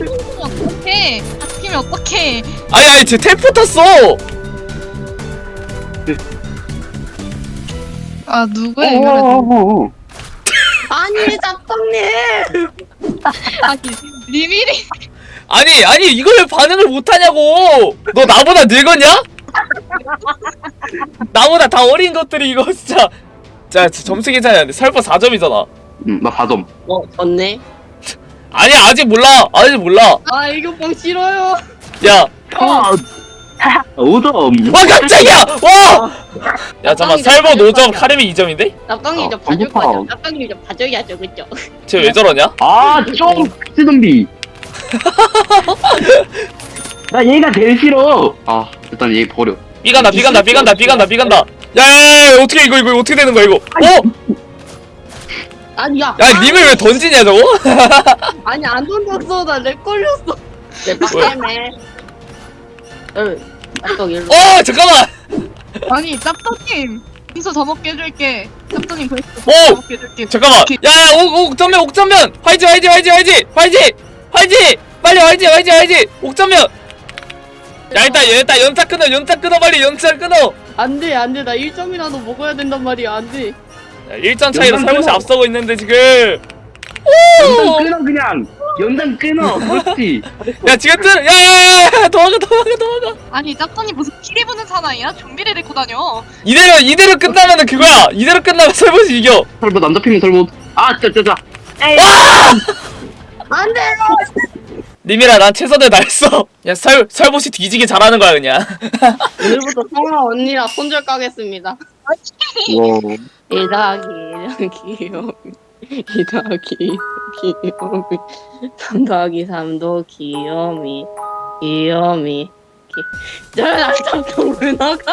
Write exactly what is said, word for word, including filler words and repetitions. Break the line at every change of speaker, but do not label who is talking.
어떡해. 같이 죽으면 어떡해.
아니 아니 쟤 텔포 탔어.
아
어,
누구야 이거는.
어,
아니 짭떡님.
아니 리밀이.
아니 아니 이걸 왜 반응을 못하냐고. 너 나보다 늙었냐? 나보다 다 어린 것들이 이거 진짜. 자 점수 계산해야 설마 사 점이잖아.
응, 나 사 점.
어 졌네.
아니 아직 몰라. 아직 몰라.
아 애교빵 싫어요.
야.
아, 오 점.
와 깜짝이야. 와. 야 잠깐 설버 노 점 카레미 이 점인데?
짭떡님 저
어,
봐줄
배고파.
거죠. 짭떡님 저 봐줘야죠 그죠?
쟤 왜 저러냐?
아, 좀 쓰덤비. 나 얘가 제일 싫어. 아, 일단 얘 버려.
B 간다 B 간다 B 간다 B 간다 B 간다. 야야야 어떻게 이거 이거 어떻게 되는 거야 이거? 어?
아니 야.
야 님을 왜 던지냐 저거?
아니 안 던졌어 나 렉 걸렸어. 내 빡겜에. 응. 짭떡 일로.
어 잠깐만.
아니 짭떡님. 인수 더 먹게 해줄게. 짭떡님 그래서
오!
더 먹게 해줄게.
잠깐만. 야야 옥 옥전면 옥전면. 화이지 화이지 화이지 화이지 화이지 화이지. 빨리 화이지 화이지 화이지. 옥전면. 야 일단 일단 연타 끊어 연타 끊어 빨리 연타 끊어.
안돼 안돼 나 일 점이라도 먹어야 된단 말이야 안돼.
야, 일 점 차이로
연탄
살못이
끊어.
앞서고 있는데 지금.
연장 끊어 그냥. 연장 끊어. 그렇지.
야 지금 뜨. 야야야 도망가 도망가 도망가.
아니 짭떡님 무슨 피리 부는 사나이야? 좀비를 데리고 다녀.
이대로 이대로 끝나면은 그거야. 이대로 끝나면 설못이 이겨.
설보 남자 핑계 설보. 아, 짜짜짜.
안돼.
님이라 난 최선을 다했어. 야 설 설봇이 뒤지게 잘하는 거야 그냥.
오늘부터 성아 언니랑 손절 까겠습니다.
와.
일 더하기 일 귀요미 이 더하기 이 귀요미 삼 더하기 삼도 귀요미 귀요미 저 남자 왜 나가?